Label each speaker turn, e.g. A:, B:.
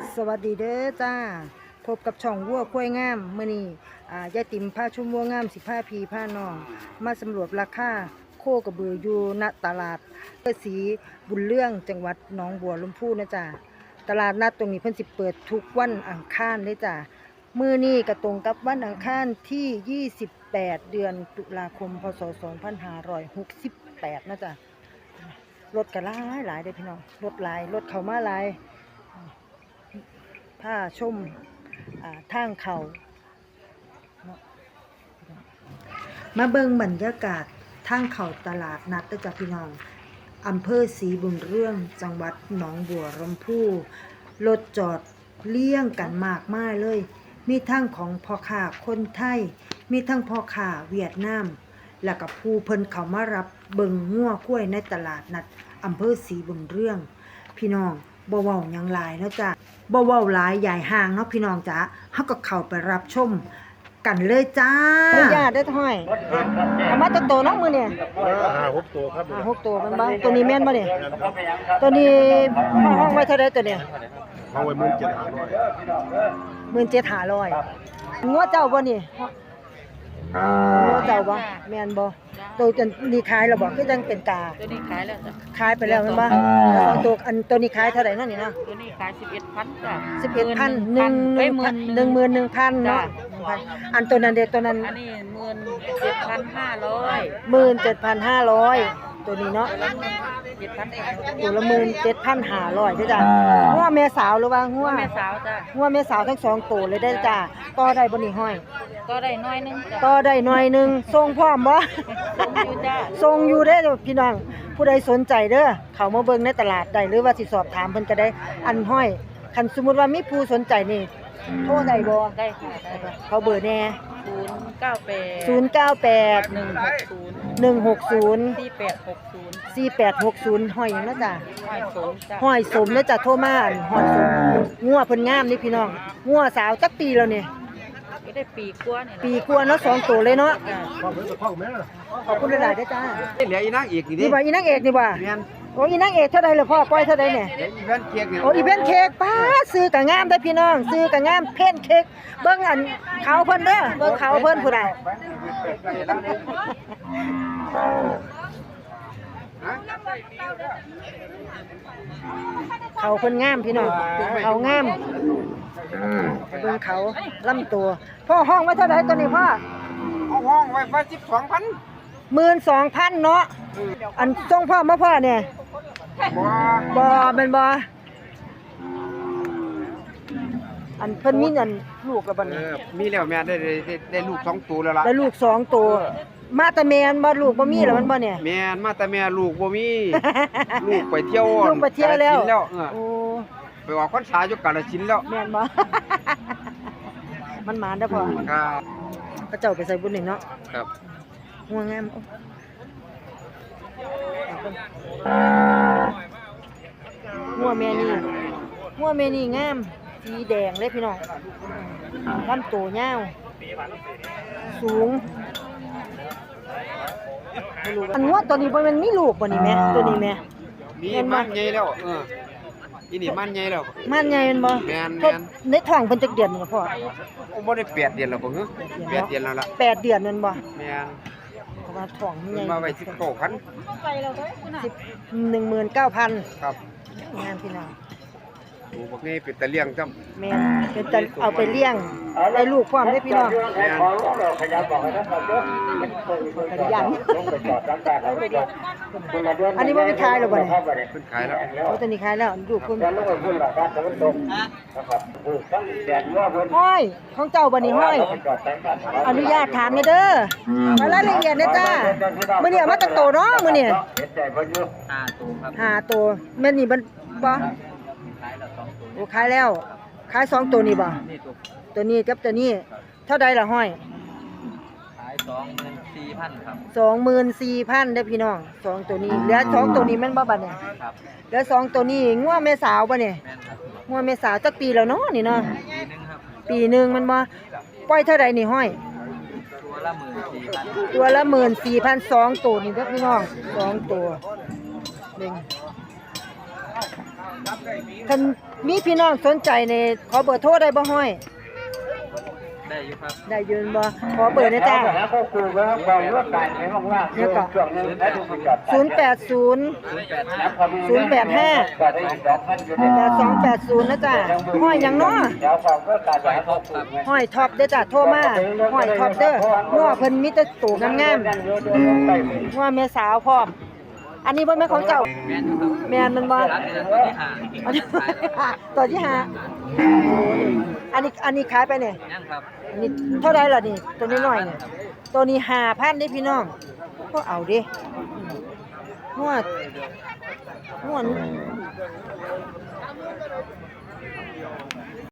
A: สวัสดีเด้อจ้าพบกับช่องวัวควายงามมื้อนี้ยายติ๋มพาชุมวัวงาม15พีพาน้องมาสำรวจราคาโคกระบืออยู่ณตลาดศรีบุญเรื่องจังหวัดหนองบัวลำพูนะจ้าตลาดนัดตรงนี้เพิ่นสิเปิดทุกวันอังคารเลยจ้ามื้อนี้ก็ตรงกับวันอังคารที่28เดือนตุลาคมพศ2568นะจ้ารถก็หลายเด้อพี่น้องรถหลายรถเข้ามาหลายถ้าชมทางเขามาเบิ่งบรรยากาศทางเขาตลาดนัดจากพี่น้องอำเภอศรีบุญเรื่องจังหวัดหนองบัวลำพูรถจอดเลี่ยงกันมากมายเลยมีทั้งของพ่อค้าคนไทยมีทั้งพ่อค้าเวียดนามแล้วก็ผู้เพิ่นเขามารับเบิ่งงัวกล้วยในตลาดนัดอำเภอศรีบุญเรื่องพี่น้องบ่เว้าหยังหลายเนาะจ้ะบ่เว้าหลายใหญ่ห่างเนาะพี่น้องจ๋าเฮาก็เข้าไปรับชมกันเลยจ้าอนุญาตได้ท้อยเอามาจักโตเนาะมื้อนี้
B: 6 ตัวครับ
A: 6ตัวมันบ่ตัวนี้แม่นบ่เนี่ยตัวนี้ห้องไว้เท่าใดตัวเนี่ย
B: เอาไว้
A: 17,500งัวเจ้าบ่นี่งัวเจ้าบ่แม่นบ่ตัวนี้ขายแล้วบ่คือจังเป็นกา
C: ตัวนี้ขายแล้วจ้ะ
A: ขายไปแล้วแม่นบ่ตัวตัวนี้ขายเท่าใดเนาะนี่เนาะ
C: ตัวนี้ขาย11,000จ้ะ
A: 11,000 11,000เนาะอันตัวนั้นเด้ตัวนั้น
C: อันนี้17,500
A: 17,500ตัวนี้เนาะตัวละ17,500เด้อจ้ะงัวแม่สาวหรือว่างัว
C: แม่สาวจ้ะ
A: งัวแม่สาวทั้ง2ตัวเลยได้จ้ะต่อได้บ่นี่ห้อย
C: ก็ได้น้อยนึงจ้ะ
A: ต่อได้หน่อยนึงส่งพร้อมบ่
C: อยู่จ้ะ
A: ส่งอยู่เด้อพี่น้องผู้ใดสนใจเด้อเข้ามาเบิ่งในตลาดได้หรือว่าสิสอบถามเพิ่นก็ได้อันห้อยคันสมมุติว่ามีผู้สนใจนี่โทรได้บ่
C: ได้ค่ะได้
A: เขาเบอร์แน่
C: 098
A: 160
C: 4860
A: ห้อยหยังเนาะจ้ะ
C: ห้อยสมจ้ะ
A: ห้อยสมเด้อจ้ะโทรมาห้อยสมงัวเพิ่นงามนี่พี่น้องงัวสาวจักปีแล้วนี่
C: ก็ได้ปีกว่านี่
A: ปีกว่าเนาะ2ตัวเลยเนาะขอบคุณหลายๆเด้อจ้า
B: เหลืออีนางเอกนี่ดิ
A: นี่บ่อีนางเอกนี่บ่
B: แม่น
A: โอ้อีนางเอกเท่าใดล่ะพ่อปล่อยเท่าใดเนี่ย
B: อีแวนเค้กนี่
A: โอ้อีแวนเค้กป้าซื้อก็งามเด้อพี่น้องซื้อก็งามเพ่นเค้กเบิ่งอันเขาเพิ่นเด้อเบิ่งเขาเพิ่นผู้ใดเขาเพิ่นงามพี่น้องเขางามเบิ่งเขาลำตัวพ่อห้องไว้เท่าใดตัวนี้พ่อ
B: ห้องไว้12,000
A: 12,000เนาะอันส่งพ่อมาพ่อเนี่ยบ่เป็นบ่อันเพิ่นมีอันลูกแล้วบัดนี้
B: มีแล้วแม่ได้ลูก2ตัวแล้วล่ะ
A: ได้ลูก2ตัวมาแต่แม่นบ่ลูกบ่มีแล้วมันบ่เนี่ย
B: แม่นมาแต่แม่ลูกบ่มีลูกไปเที่ยว
A: ลูกไปเที่ยวแล้ว
B: โอ้ไปออกพรรษาอยู่กาฬสินธุ์แล้ว
A: แม่นบ่มันหมานเด้อพ่อ
B: ครับ
A: พระเจ้าไปใส่บุญนี่เนาะ
B: ครับ
A: งัวงามงัวแม่นี่งามสีแดงเลยพี่น้องลำตัวยาวสูงอันงัวตัวนี้มันมีลูกบ่นี่แม่ตัวนี้แม่
B: มีมันใหญ่แล้วอีนี่มันใหญ่แล้ว
A: มันใหญ่แม่นบ่
B: แม่น
A: ในท้องเพิ่นจักเดือนนี่พ่อ
B: โอ้บ่ได้8เดือนแล้วบ่ฮึ8เดือนแล้วล่ะ
A: 8เดือนแม่นบ่
B: แม่น
A: เพราะว่าท้องใหญ่
B: มาไว้19,000
A: 19,000
B: ครับ
A: งามพี่น้อง
B: โอ้บ่นี่เป็นตะเลี้ยงจ้ำ
A: แม่นเป็นตะเอาไปเลี้ยงได้ลูกพร้อมได้พี่น้อง
B: แม่น
A: ขยันอันนี้บ่มีขายแล้วบ่เนี่ย
B: เพิ่นขายแล้ว
A: โอ้ตัวนี้ขายแล้วลูกเพิ่นห้อยของเจ้าบ่นี่ห้อยอนุญาตถามเด้อรายละเอียดนะจ้ามื้อนี้เอามาตั้งโตเนาะมื้อนี้5ตัวแม่นนี่บ่โอ้ขายแล้วขาย2ตัวนี่บ่ตัวนี้กับตัวนี้เท่าใดล่ะห้อย
C: ขาย24,000ครับ
A: 24,000เด้อพี่น้อง2ตัวนี้เหลือ2ตัวนี้แม่นบ่บัดเนี่ย
C: ครับ
A: เหลือ2ตัวนี้งัวแม่สาวบ่เนี่ยงัวแม่สาวจักปีแล้วเนาะนี่เนาะปีนึงมันบ่ปล่อยเท่าใดนี่ห้อยตัวละ14,000 2ตัวนี่เด้อพี่น้อง2ตัว1 คันมีพี่น้องสนใจในขอเบอร์โทรได้บ่ห้อย
C: ได้อยู่ครับ
A: ได้ยืนบ่ขอเบอร์นะจ้า เนี่ยก็080 085 8280นะจ้าห้อยหยังเนาะห้อยท็อปเด้อจ้าโทรมาห้อยท็อปเด้องัวเพิ่นมีแต่ตัวงามๆงัวแม่สาวพร้อมอันนี้บ่แม่นของเจ้า
C: แม่นอยู่ครับ
A: แม่นมันบ่
C: รับเดือนตัวที่ห้า
A: อันนี้ตัวที่ห้าอันนี้ขายไปเนี่ย
C: ยังครับ
A: อันนี้เท่าไรล่ะนี่ตัวนี้น้อยเนี่ยตัวนี้5,000เด้พี่น้องก็เอาเด้งวด